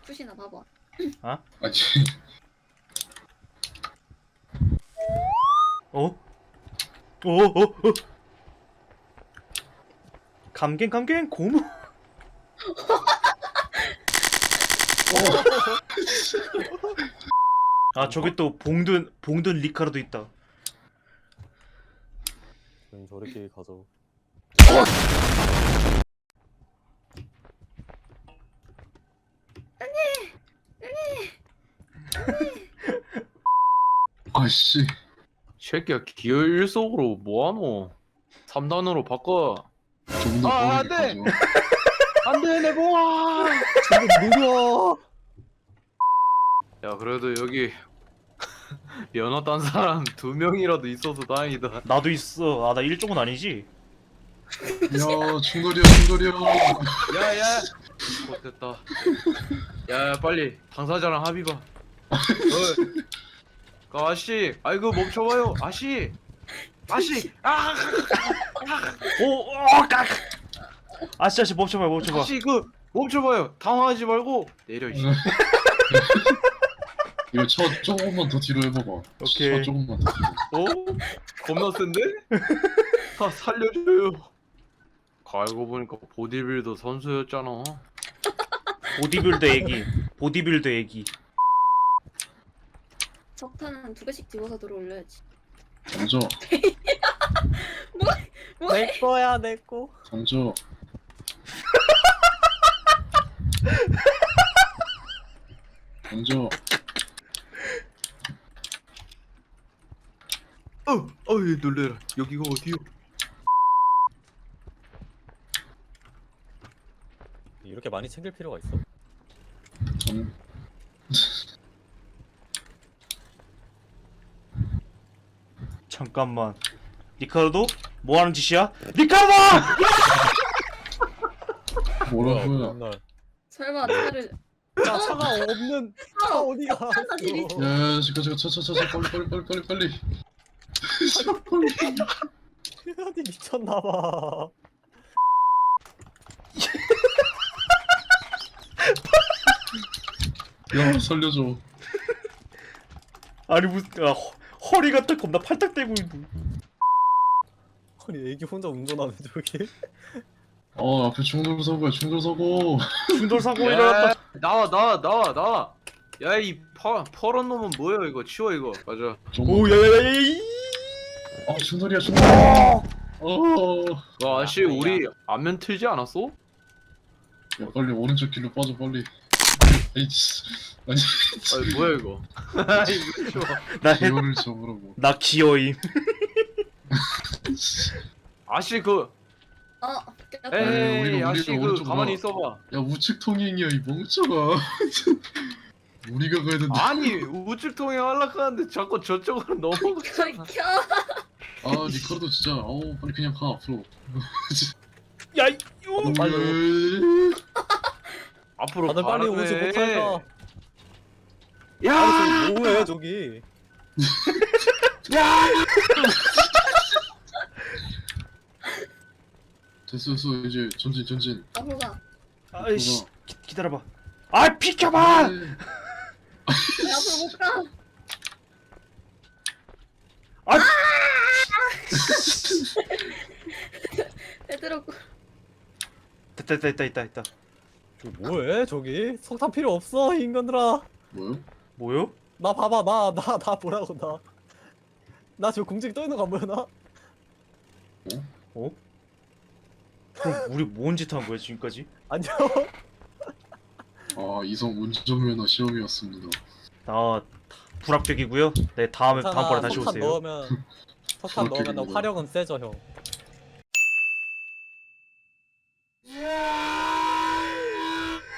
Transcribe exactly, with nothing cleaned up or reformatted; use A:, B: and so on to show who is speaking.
A: 푸시나 봐봐.
B: 어?
C: 아니
B: 어? 어? 어? 어? 감갱 감갱 고무. 아 저기 또 봉든 봉든 리카르도 있다.
D: 그럼 저렇게 가죠.
C: 아씨
E: 새끼야 기어 일 속으로 뭐하노? 삼 단으로 바꿔.
C: 좀 더
E: 아,
C: 빠르게
E: 안 돼!
C: 가죠.
E: 안돼 내 봉아.
D: 근데 느려.
E: 야 그래도 여기 면허 딴 사람 두 명이라도 있어서 다행이다.
B: 나도 있어. 아 나 일종은 아니지.
C: 야 충돌이야 충돌이야.
E: 야야 못됐다. 야 빨리 당사자랑 합의 봐. 어, 그 아씨 아이고 멈춰봐요 아씨 아씨 아
B: 오, 어, 깍. 아씨 아씨 멈춰봐 멈춰봐.
E: 아씨 그 멈춰봐요 당황하지 말고 내려 이씨.
C: 이거 차 조금만 더 뒤로 해봐봐.
B: 오케이.
C: 차 조금만 더 뒤로.
E: 어? 겁나 센데? 아 살려줘요. 알고 보니까 보디빌더 선수였잖아.
B: 보디빌더 애기. 보디빌더 애기.
A: 석탄은 두 개씩 집어서 들어올려야지.
C: 던져
A: 뭐해?
D: 내 거야 내 거.
C: 던져. 던져.
E: 어, 어이 놀래라. 여기가 어디요?
D: 이렇게 많이 챙길 필요가 있어?
C: 전
B: 잠깐만. 리카르도 뭐 하는 짓이야? 리카르도!
C: 뭐라고요?
D: 맨날.
A: 설마 차를
D: 야 차가 없는 차 어디가?
A: 사실이
D: 있어?
C: 야 잠깐 잠깐 차차차차 빨리 빨리 빨리 빨리 빨리. 빨리.
D: 어디 미쳤나봐.
C: 야 살려줘.
B: 아니 무슨 아, 허, 허리가 딱 겁나 팔딱 대고 있는.
D: 아니 애기 혼자 운전하네 저기.
C: 어 앞에 충돌 사고야 충돌 사고.
B: 충돌 사고
E: 야,
B: 일어났다.
E: 나와 나와 나와 나와. 야이 퍼런 놈은 뭐야 이거 치워 이거. 맞아.
B: 오 야야야야.
C: 아 충돌이야 충돌. 어.
E: 와 아씨 우리 안면 틀지 않았어?
C: 야 빨리 오른쪽 길로 빠져 빨리. 에이씨. 아니
E: 아니 뭐야 이거. 이거 치워.
B: 나 해,
C: 기어를 잡으라고.
B: 나 기어임.
E: 아씨 그
A: 어. 꼈다.
C: 에이,
E: 에이
C: 우리가
E: 아씨
C: 우리가
E: 그
C: 오른쪽으로
E: 가만히
C: 가.
E: 있어봐.
C: 야 우측 통행이야 이 멍청아. 우리가 가야 된다.
E: 아니 우측 통행 하려고 자꾸 저쪽으로 넘어가.
A: 켜, 켜.
C: 아 리카르도 진짜 어우 빨리 그냥 가 앞으로.
B: 야 이- 요.
C: 빨리.
E: 앞으로
D: 다들 빨리
E: 가라며.
D: 오지 못할까?
E: 야!
D: 아니 저기 뭐해 저기?
C: 됐어 됐어 이제 전진 전진.
A: 앞으로 가.
B: 아이씨 기, 기다려봐. 아 비켜봐.
C: 네.
A: 왜 앞으로 못 가?
B: 아
A: 빼들었고.
B: 됐다 됐다 됐다 됐다 됐다.
D: 저기 뭐해 저기? 석탄 필요 없어 이 인간들아.
C: 뭐요?
B: 뭐요?
D: 나 봐봐 나 나 나 보라고 나. 나 저 공중에 떠 있는 거 안 보여 나?
B: 어? 그럼 우리 뭔 짓 한 거야 지금까지?
D: 안녕.
C: 아 이성 운전면허 시험이었습니다.
B: 나 불합격이고요. 네 다음에
D: 괜찮아,
B: 다음번에 다시
D: 석탄
B: 오세요.
D: 넣으면 석탄
C: 그렇게
D: 넣으면
C: 되는
D: 화력은 세져 형.